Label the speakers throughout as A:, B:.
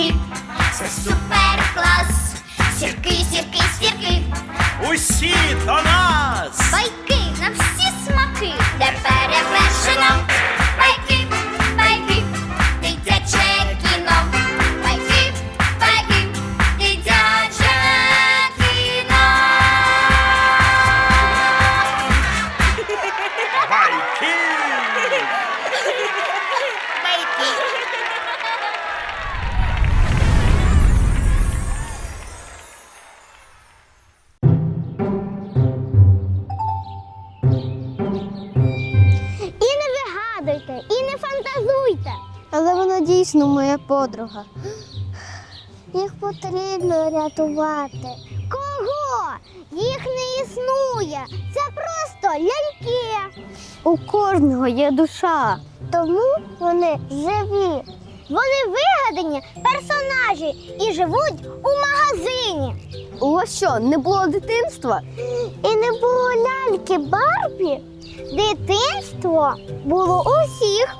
A: сірки, це супер-клас. Сірки, сірки, сірки,
B: Усі до нас!
A: байки на всі смаки, де перевершено. Байки, байки, дитяче кіно. Байки, байки, дитяче кіно.
B: Байки!
C: І не вигадуйте, і не фантазуйте. Але вона дійсно моя подруга. Їх потрібно рятувати. Кого? Їх не існує. Це просто ляльки. У кожного є душа. Тому вони живі. Вони вигадані персонажі і живуть у магазині. У вас що, не було дитинства? І не було ляльки Барбі? Дитинство було у всіх.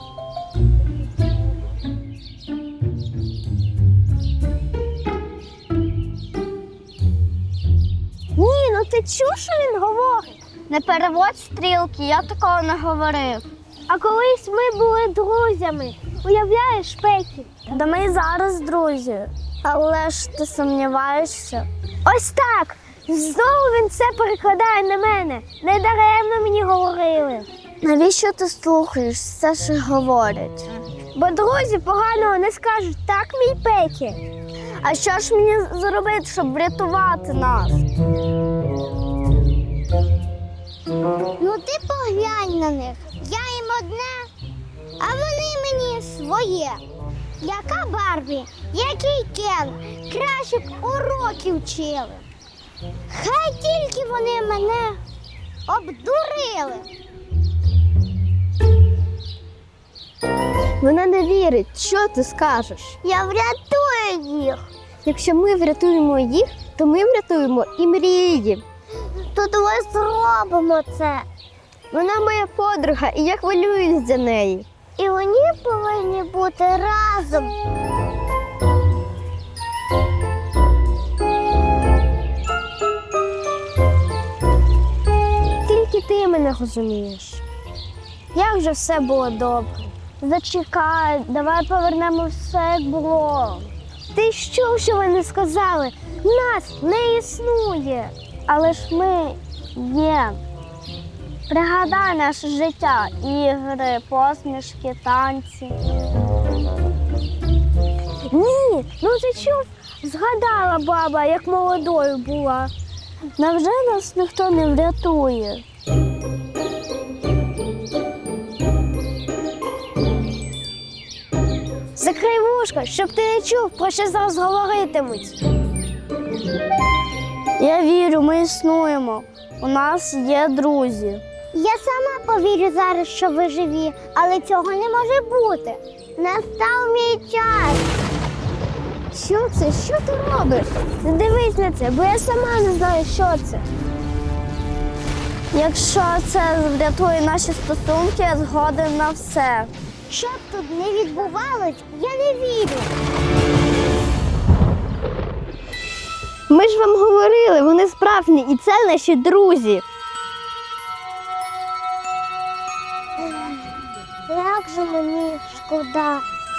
C: Ні, ну ти чув, що він говорить? Не переводь стрілки, я такого не говорив. А колись ми були друзями. Уявляєш, Пекі? Да ми і зараз друзі. Але ж ти сумніваєшся? Ось так! Знову він це перекладає на мене. Недаремно мені говорили. Навіщо ти слухаєш все, що говорять? Бо друзі поганого не скажуть, так, мій Пекі? А що ж мені зробити, щоб врятувати нас? Ну ти поглянь на них. Я їм одне, а вони мені своє. Яка Барбі, який Кен, краще б уроки вчили. Хай тільки вони мене обдурили. Вона не вірить. Що ти скажеш? Я врятую їх. Якщо ми врятуємо їх, то ми врятуємо і мрії. То давай зробимо це. Вона моя подруга, і я хвилююсь за неї. І вони повинні бути разом. Тільки ти мене розумієш. Як же все було добре? Зачекай, давай повернемо все, як було. Ти що вони сказали? Нас не існує. Але ж ми є. Пригадай наше життя, ігри, посмішки, танці. Ні, ну ти чув? Згадала баба, як молодою була. Невже нас ніхто не врятує? Закрий вушка, щоб ти не чув, про що зараз говоритимуть. Я вірю, ми існуємо. У нас є друзі. Я сама повірю зараз, що ви живі, але цього не може бути. Настав мій час. Що це? Що ти робиш? Не дивись на це, бо я сама не знаю, що це. Якщо це врятує наші стосунки, я згоден на все. Що б тут не відбувалось, я не вірю. Ми ж вам говорили, вони справжні, і це наші друзі. Як же мені шкода.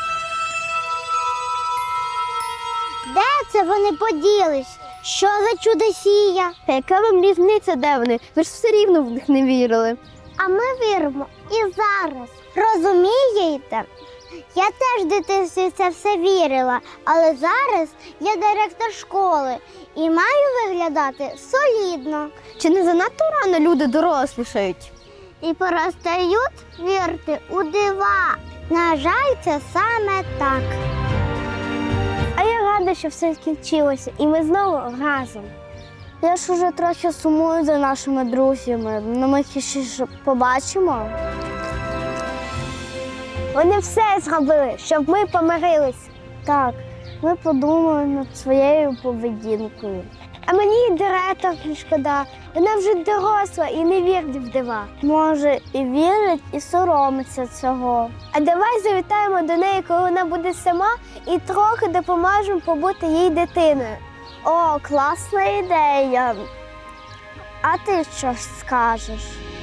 C: Де це вони поділись? Що за чудосія? Яка вам різниця, де вони? Ви ж все рівно в них не вірили. А ми віримо і зараз. Розумієте? Я теж в дитинстві це все вірила, але зараз я директор школи і маю виглядати солідно. Чи не занадто рано люди дорослішають? І перестають вірити у дива. На жаль, це саме так. А я рада, що все скінчилося, і ми знову разом. Я ж уже трохи сумую за нашими друзями, але ми їх ще ж побачимо. Вони все зробили, щоб ми помирились. Так, ми подумали над своєю поведінкою. А мені і директорки шкода. Вона вже доросла і не вірить в дива. Може, і вірить, і соромиться цього. А давай завітаємо до неї, коли вона буде сама, і трохи допоможемо побути їй дитиною. О, класна ідея. А ти що скажеш?